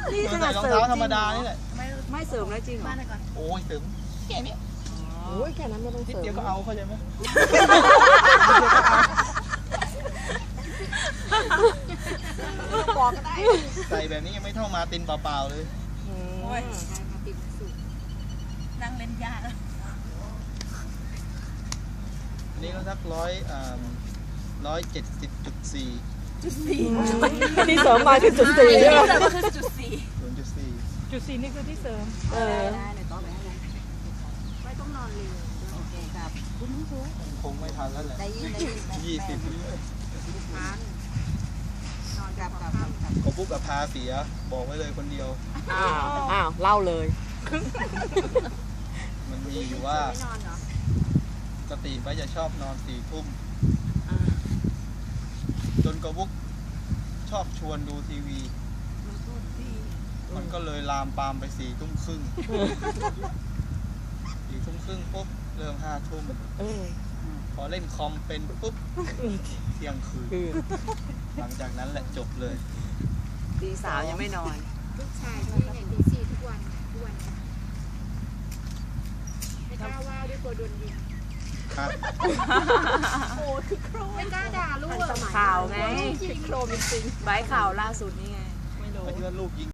นี่ขใส่นาดรองเสริมเท้าธรรมจดาริงนี่เหรอแหละไม่เสริมแล้วจริงเหรอบ้านไหนก่อนโอ้ยเสริมแค่นี้โอ้ยแค่นั้นไม่ต้องนิดเสริมเดียวก็เอาเข้าใจไหมบอกก็ได้ใส่แบบนี้ยังไม่เท่ามาตินเปล่าๆเลยโอ้ยนั่งเล่นยากอันนี้ก็สัก170.4 ที่เสริมมาคือจุดสี่ใช่ไหมแต่ก็คือจุดสี่ 0.4 จุดสี่นี่คือที่เสริมเออไม่ต้องนอนเร็วโอเคครับคงไม่ทันแล้วแหละได้ยิน 20 ทันนอนกับก็ปุ๊บกับพาเสียบอกไว้เลยคนเดียวอ้าวเล่าเลยมันมีอยู่ว่าไม่นอนเหรอปกติป้าจะชอบนอน4 ทุ่มจนกระบุกชอบชวนดูทีวี มันก็เลยลามปามไป4 ทุ่มครึ่ง4 ทุ่มครึ่งปุ๊บเริ่ม5 ทุ่มพอเล่นคอมเป็นปุ๊บเที่ยงคืนหลังจากนั้นแหละจบเลยตีสามยังไม่นอนลูกชายที่ไหนตีสี่ทุกวันไม่กล้าว่าด้วยกลัวโดนยิงครับไม่กล้าด่าลูกข่าวไงโครมจริงใบข่าวล่าสุดนี่ไงไม่คิดว่าลูกยิง